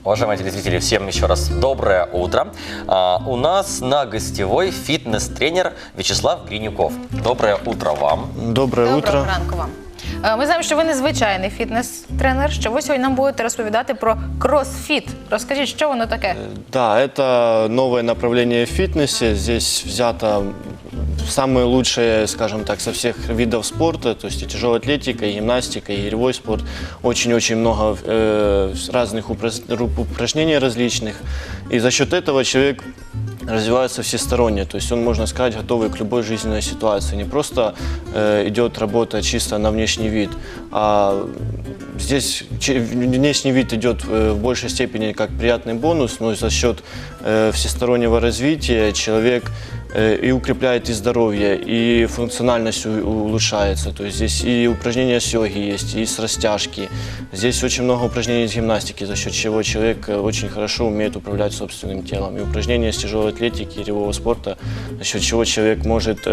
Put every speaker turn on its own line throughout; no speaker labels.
Уважаемые телезрители, всем еще раз доброе утро. У нас на гостевой фитнес-тренер Вячеслав Гринюков. Доброе утро вам.
Доброе утро.
Доброго ранку вам. Ми знаємо, що ви незвичайний фітнес-тренер, що ви сьогодні нам будете розповідати про кросфіт. Розкажіть, що воно таке?
Да, это новое направление в фитнесе. Здесь взято самые лучшие, скажем так, со всех видов спорта, то есть и тяжелая атлетика, и гимнастика, и гиревой спорт. Очень-очень много разных упражнений различных. И за счет этого человек развивается всесторонне, то есть он, можно сказать, готовый к любой жизненной ситуации. Не просто идет работа чисто на внешний вид, а здесь внешний вид идет в большей степени как приятный бонус, но за счет всестороннего развития человек и укрепляет и здоровье, и функциональность улучшается. То есть здесь и упражнения с йоги есть, и с растяжки. Здесь очень много упражнений с гимнастики, за счет чего человек очень хорошо умеет управлять собственным телом. И упражнения с тяжелой атлетики, гиревого спорта, за счет чего человек может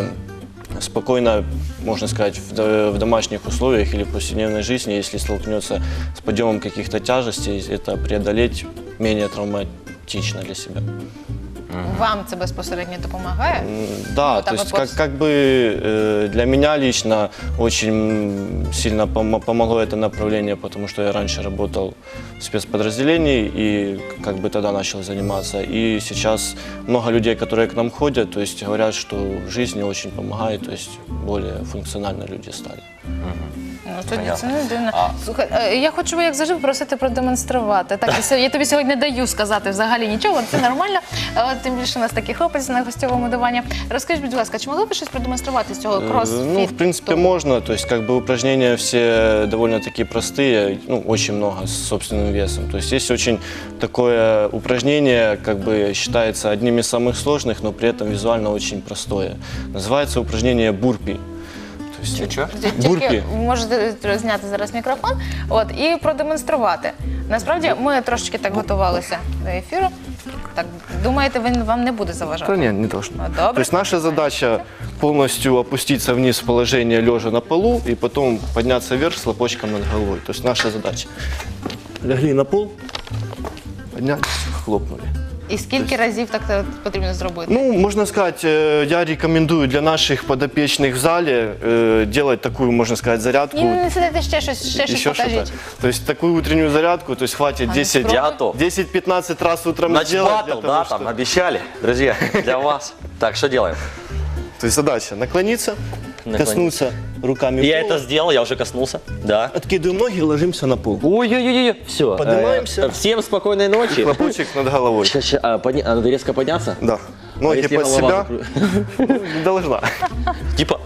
спокойно, можно сказать, в домашних условиях или в повседневной жизни, если столкнется с подъемом каких-то тяжестей, это преодолеть менее травматично для себя.
Вам це безпосередньо допомагає?
Да, то есть как бы для меня лично очень сильно помогло это направление, потому что я раньше работал в спецподразделении и как бы тогда начал заниматься. И сейчас много людей, которые к нам ходят, то есть говорят, что в жизни очень помогает, то есть более функционально люди стали.
Ну, тоді це не дивно. Слухай, я хочу, як завжди, попросити продемонструвати. Так, я тобі сьогодні не даю сказати взагалі нічого, це нормально. Тим більше у нас такий хлопець на гостьовому дивані. Розкажіть, будь ласка, чи могли б щось продемонструвати з цього кросфіту?
Ну, в принципе, можно. То есть, как бы упражнения все довольно-таки простые, ну, очень много с собственным весом. То есть, есть очень такое упражнение, как бы считается одним из самых сложных, но при этом визуально очень простое. Называется упражнение бурпи.
Тільки можете зняти зараз мікрофон і продемонструвати. Насправді, ми трошечки так готувалися до ефіру. Так, думаєте, він вам не буде заважати?
Да нет, не должно.
Добре.
То есть наша задача полностью опуститься вниз в положение лежа на полу и потом подняться вверх с лопочком над головой. То есть наша задача. Легли на пол, поднялись, хлопнули.
І скільки разів так потрібно зробити?
Ну, можно сказать, я рекомендую для наших подопечных в зале делать такую, можно сказать, зарядку.
Не сидите, ще щось покажіть.
То есть такую утреннюю зарядку, то есть хватит 10-15 раз утром
Значит,
сделать.
батл, да, там обещали, друзья, для вас. Так, что делаем?
То есть задача наклониться, коснуться руками пола.
Я это сделал, я уже коснулся, да.
Откидываем ноги, ложимся на пол.
Ой-ой-ой, все.
Поднимаемся.
Всем спокойной ночи.
Хлопочек над головой.
Сейчас, надо резко подняться?
Да. Ноги
если
под
голова
себя. Не должна.
Типа,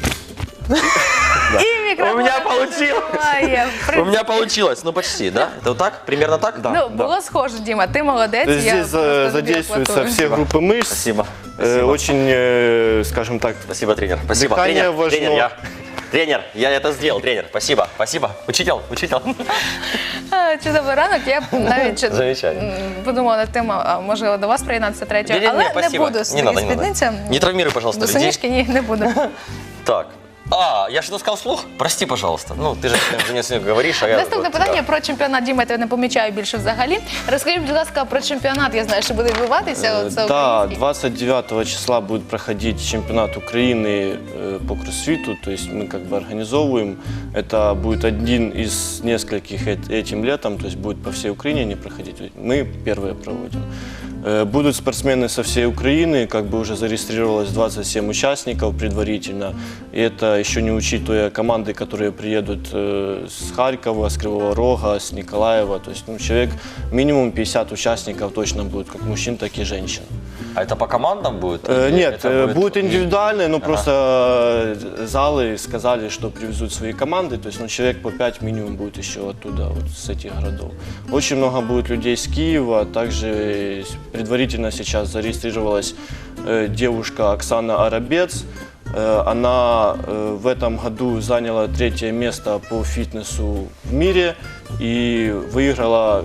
І мікрофон.
у меня получилось. У меня получилось, ну почти, да? Это вот так? Примерно так?
Да.
Ну, було схоже, Діма, ти молодець.
То есть здесь задействуются все группы мышц.
Спасибо.
Очень, скажем так,
Спасибо, тренер. Спасибо.
Дыхание важно.
Тренер, я это сделал, тренер. Спасибо, спасибо. Учитель.
Чудовий ранок. Я навіть
Замечательно.
подумала над тим, можливо, до вас приєднатися третього,
Не-не-не,
але не
спасибо.
буду
Не
свої
надо, не надо.
спідниці.
Не травмируй, пожалуйста,
До
людей.
синішки ні, не буду.
Так. Я что-то сказал вслух? Прости, пожалуйста. Ну, ты же уже не говоришь, а я...
Наступне питання про чемпіонат. Діма, я тебе не помічаю більше взагалі. Розкажіть, будь ласка, про чемпіонат. Я знаю, що буде відбуватися.
да, 29 числа будет проходить чемпионат Украины по кроссфиту, то есть мы как бы организовываем. Это будет один из нескольких этим летом, то есть будет по всей Украине не проходить. Мы первые проводим. Будут спортсмены со всей Украины, как бы уже зарегистрировалось 27 участников предварительно. И это еще не учитывая команды, которые приедут с Харькова, с Кривого Рога, с Николаева. То есть человек, минимум 50 участников точно будет, как мужчин, так и женщин.
А это по командам будет?
Нет, будет индивидуально, но просто залы сказали, что привезут свои команды. То есть человек по 5 минимум будет еще оттуда, вот с этих городов. Очень много будет людей с Киева, также предварительно сейчас зарегистрировалась девушка Оксана Арабец. Она в этом году заняла 3-е место по фитнесу в мире и выиграла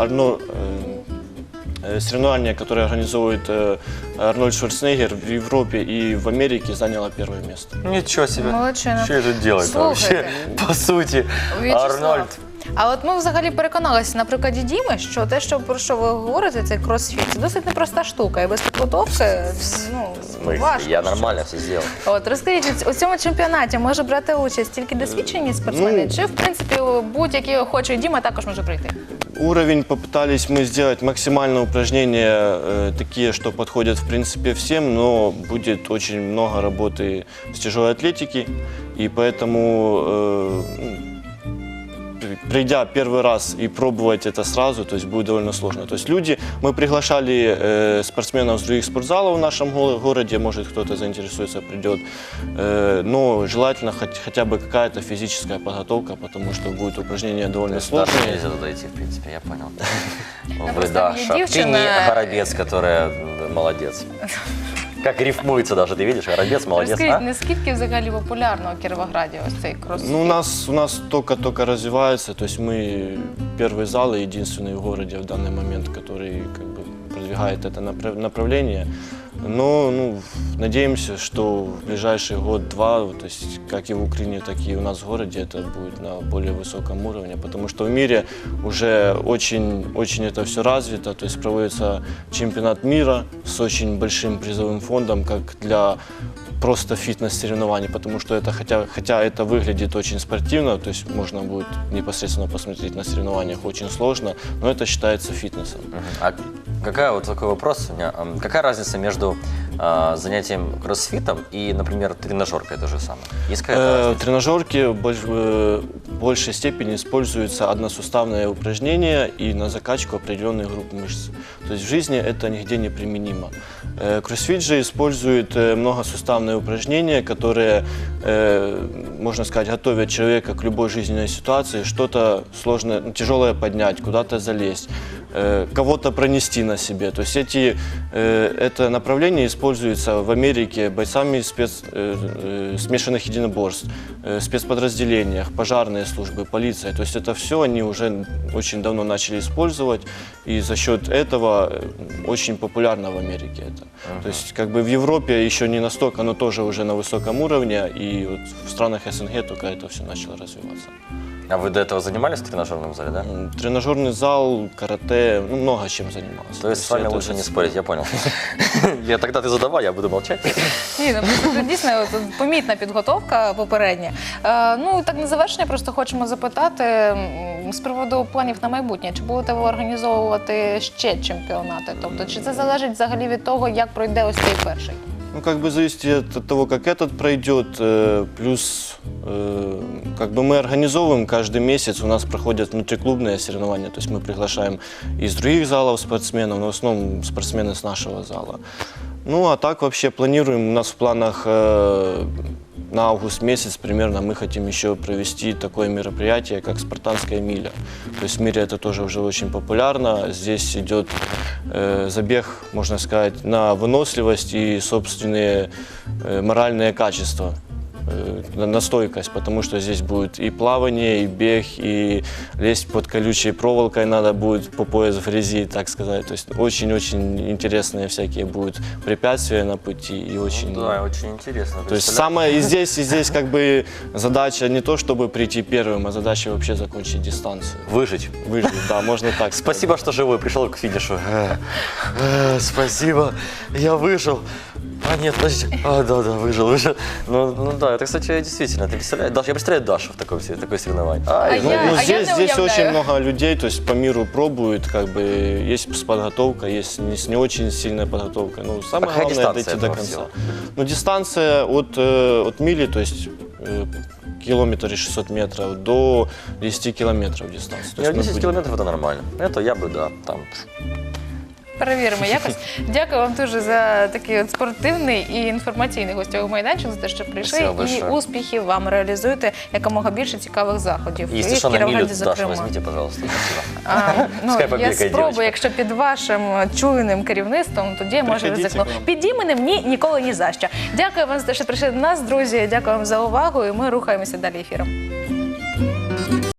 соревнование, которое организовывает Арнольд Шварценеггер в Европе и в Америке, заняла 1-е место.
Ничего себе.
Молодчина.
Что это делает вообще? По сути,
Вячеслав,
Арнольд.
А от ми взагалі переконалися на прикладі Діми, що те, про що ви говорите, цей кросфіт, це досить непроста штука. І без підготовки, важко.
Я нормально все сделал.
От, розкажіть, у цьому чемпіонаті може брати участь тільки досвідчені спортсмени? Чи, в принципі, будь-який охочий Діма також може прийти?
Уровень попытались мы сделать максимально упражнения такие, что подходят в принципе всем, но будет очень много работы с тяжелой атлетики, и поэтому придя первый раз и пробовать это сразу, то есть будет довольно сложно. То есть мы приглашали спортсменов с других спортзалов в нашем городе, может кто-то заинтересуется, придет, но желательно хотя бы какая-то физическая подготовка, потому что будет упражнение довольно
Даша
сложное.
нельзя туда идти, в принципе, я понял. Вы,
просто
Даша,
мне
ты
девчина-
не Горобец, которая молодец. Как рифмуется даже, ты видишь? Горобец, молодец,
Розкажіть,
а?
наскільки взагалі популярно у Кіровограді ось цей кросфіт?
Ну, у нас только развивается, то есть мы первый зал и единственный в городе в данный момент, который как бы продвигает это направление. Но надеемся, что в ближайший год-два, то есть как и в Украине, так и у нас в городе, это будет на более высоком уровне, потому что в мире уже очень это все развито, то есть проводится чемпионат мира с очень большим призовым фондом, как для просто фитнес-соревнований, потому что это, хотя это выглядит очень спортивно, то есть можно будет непосредственно посмотреть на соревнованиях, очень сложно, но это считается фитнесом.
А такой вопрос у меня. Какая разница между занятием кроссфитом и, например, тренажеркой то же самое? Есть какая-то разница?
В тренажерке в большей степени используется односуставное упражнение и на закачку определенных групп мышц. То есть в жизни это нигде не применимо. Кроссфит же использует многосуставные упражнения, которые, можно сказать, готовят человека к любой жизненной ситуации, что-то сложное, тяжелое поднять, куда-то залезть, кого-то пронести на себе. То есть это направление используется в Америке бойцами смешанных единоборств, спецподразделениях, пожарные службы, полиция. То есть это все они уже очень давно начали использовать, и за счет этого очень популярно в Америке это. То есть как бы в Европе еще не настолько, но тоже уже на высоком уровне, и вот в странах СНГ только это все начало развиваться.
А вы до этого занимались в тренажерном зале, да?
Тренажерный зал, карате, много чем занимался.
То есть с вами
это
лучше не спорить, я понял. Я тогда ты задавай, я буду молчать.
Ні, ну просто це дійсно от, помітна підготовка попередня. Ну, так на завершення просто хочемо запитати з приводу планів на майбутнє. Чи будете ви організовувати ще чемпіонати? Тобто, чи це залежить взагалі від того, як пройде ось цей перший?
Ну, как бы зависит от того, как этот пройдет, плюс как бы мы организовываем каждый месяц, у нас проходят внутриклубные соревнования, то есть мы приглашаем из других залов спортсменов, но в основном спортсмены с нашего зала. Ну, а так вообще планируем, у нас в планах на август месяц примерно мы хотим еще провести такое мероприятие, как спартанская миля. То есть в мире это тоже уже очень популярно. Здесь идет забег, можно сказать, на выносливость и собственные моральные качества. На стойкость, потому что здесь будет и плавание, и бег, и лезть под колючей проволокой надо будет по пояс в грязи, так сказать. То есть очень-очень интересные всякие будут препятствия на пути и очень...
Да, очень интересно.
То есть самое и здесь как бы задача не то, чтобы прийти первым, а задача вообще закончить дистанцию.
Выжить.
Выжить, да, можно так сказать.
Спасибо, что живой пришел к финишу. Спасибо, я выжил. А нет, подождите. Да, выжил. Ну да, это, кстати, действительно, ты представляешь, Даша, я представляю Дашу в такое соревнование.
Здесь очень много людей, то есть по миру пробуют, как бы есть с подготовкой, есть с не очень сильная подготовка. Ну, самое
какая
главное
дистанция
дойти до
этого
конца.
всего?
Ну, дистанция от мили, то есть километр и 600 метров до 10 километров дистанция. То есть мы
10
будем-
километров это нормально. Это я бы, да, там.
Перевіримо якось. Дякую вам дуже за такий от спортивний і інформаційний гостьовий майданчик, за те, що прийшли.
Спасибо
І
большое.
успіхів вам, реалізуйте якомога більше цікавих заходів.
Если
І
что,
в
на милю,
Кіровограді,
Даша,
зокрема.
возьмите, пожалуйста. Спасибо.
Ну,
Пускай
я
побігає
спробую,
дівчинка.
якщо під вашим чуйним керівництвом, тоді може
Приходіть
ризикну.
к нам.
Під іменем ні, ніколи ні за що. Дякую вам за те, що прийшли до нас, друзі. Дякую вам за увагу, і ми рухаємося далі ефіром.